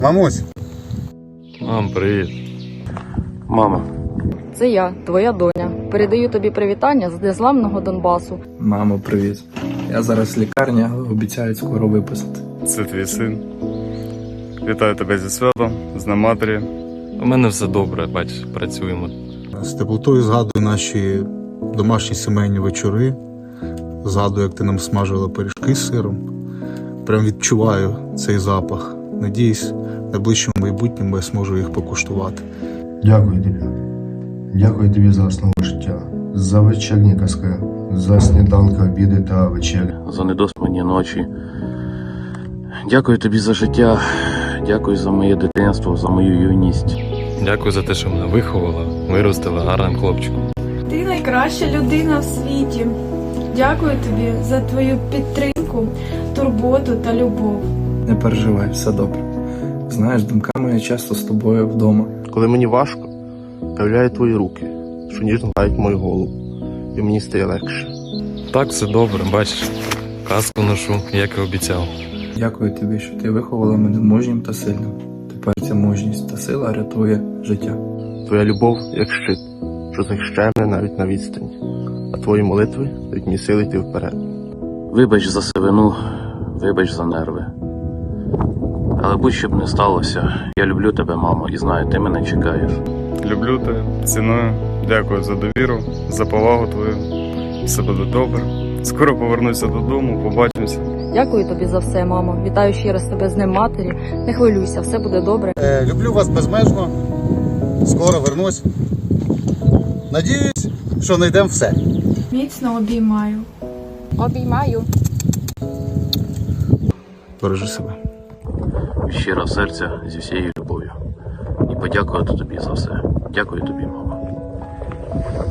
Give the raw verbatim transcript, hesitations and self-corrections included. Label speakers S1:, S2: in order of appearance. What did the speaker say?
S1: Мамусь.
S2: Мам, привіт.
S3: Мамо.
S4: Це я, твоя доня. Передаю тобі привітання з незламного Донбасу.
S5: Мамо, привіт. Я зараз в лікарні, але обіцяють скоро виписати.
S2: Це твій син. Вітаю тебе зі святом, з Днем матері. У мене все добре, бач, працюємо.
S1: З теплотою згадую наші домашні сімейні вечори. Згадую, як ти нам смажила пиріжки з сиром. Прям відчуваю цей запах. Надіюсь, в найближчому майбутньому я зможу їх покуштувати.
S6: Дякую тобі. Дякую тобі за основу життя, за вечірні казки, за сніданки, обіди та вечері.
S3: За недоспані ночі. Дякую тобі за життя. Дякую за моє дитинство, за мою юність.
S2: Дякую за те, що мене виховала, виростила гарним хлопчиком.
S7: Ти найкраща людина в світі. Дякую тобі за твою підтримку, турботу та любов.
S5: Не переживай, все добре. Знаєш, думками я часто з тобою вдома.
S8: Коли мені важко, появляю твої руки, що ніжно гладять мою голову, і мені стає легше.
S2: Так, все добре, бачиш. Казку ношу, як і обіцяв.
S5: Дякую тобі, що ти виховала мене мужнім та сильним. Тепер ця мужність та сила рятує життя.
S8: Твоя любов як щит, що захищає мене навіть на відстані, а твої молитви дають мені сили йти вперед.
S3: Вибач за сивину, вибач за нерви. Але будь-що б не сталося, я люблю тебе, мамо, і знаю, ти мене чекаєш.
S2: Люблю тебе, ціную. Дякую за довіру, за повагу твою. Все буде добре. Скоро повернуся додому, побачимося.
S4: Дякую тобі за все, мамо. Вітаю ще раз тебе з Днем матері. Не хвилюйся, все буде добре.
S1: Е, люблю вас безмежно. Скоро вернусь. Надіюсь, що знайдемо все.
S7: Міцно обіймаю.
S4: Обіймаю.
S1: Бережи себе.
S3: Від щирого серця, зі всією любов'ю. І подякувати тобі за все. Дякую тобі, мамо.